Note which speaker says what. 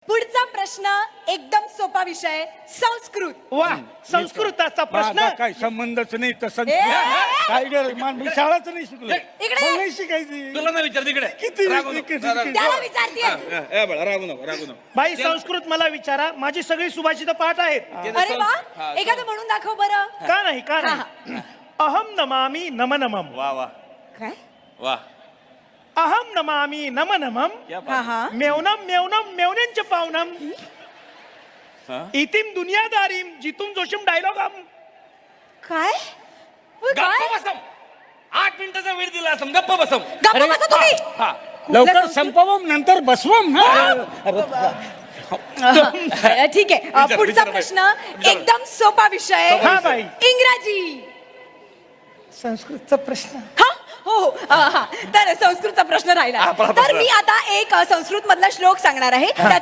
Speaker 1: पुढचा प्रश्न एकदम सोपा विषय संस्कृत.
Speaker 2: वा संस्कृताचा प्रश्न
Speaker 3: माझा काय संबंधच नाही तसं
Speaker 1: ए,
Speaker 3: काय गरज मी शाळाच नाही शिकलो
Speaker 1: इकडे.
Speaker 3: मला नाही शिकायची
Speaker 4: तुला नाही विचार तिकडे
Speaker 3: किती
Speaker 4: रागवू नको,
Speaker 3: किती-
Speaker 4: रागवू नको.
Speaker 1: त्याला विचारते.
Speaker 4: बाळा, रागवू नको रागवू नको.
Speaker 2: बाई संस्कृत मला विचारा, माझी सगळी सुभाषित पाठ आहेत.
Speaker 1: अरे वा, एखादं म्हणून दाखव बरं.
Speaker 2: का नाही का
Speaker 1: हा,
Speaker 2: नाही अहम नमामि नम नमम.
Speaker 4: वा वा
Speaker 1: काय?
Speaker 4: वा
Speaker 2: अहम नमामि नम नमम.
Speaker 4: क्या
Speaker 1: हा
Speaker 4: बात.
Speaker 1: हा.
Speaker 2: मेवनम मेवनम मेवनेंच पावनम.
Speaker 4: हा?
Speaker 2: इतिम दुनियादारीम जितुम जोशिम डायलॉगम.
Speaker 1: काय? उय,
Speaker 4: गप्प
Speaker 1: काय?
Speaker 4: बसम. 8 मिनिटाचा वेळ दिला असम गप्प बसम.
Speaker 1: गप्प बसा तुम्ही.
Speaker 4: हा
Speaker 3: लवकर संपवम नंतर बसवम ना
Speaker 1: ठीक आहे. पुढचा
Speaker 4: विचार बाई.
Speaker 1: प्रश्न एकदम सोपा विषय
Speaker 2: हा बाई.
Speaker 1: इंग्रजी.
Speaker 2: संस्कृतचा प्रश्न.
Speaker 1: हा हो हो हा. तर संस्कृतचा प्रश्न राहिला.
Speaker 4: हा,
Speaker 1: तर मी आता एक संस्कृत मधला श्लोक सांगणार आहे.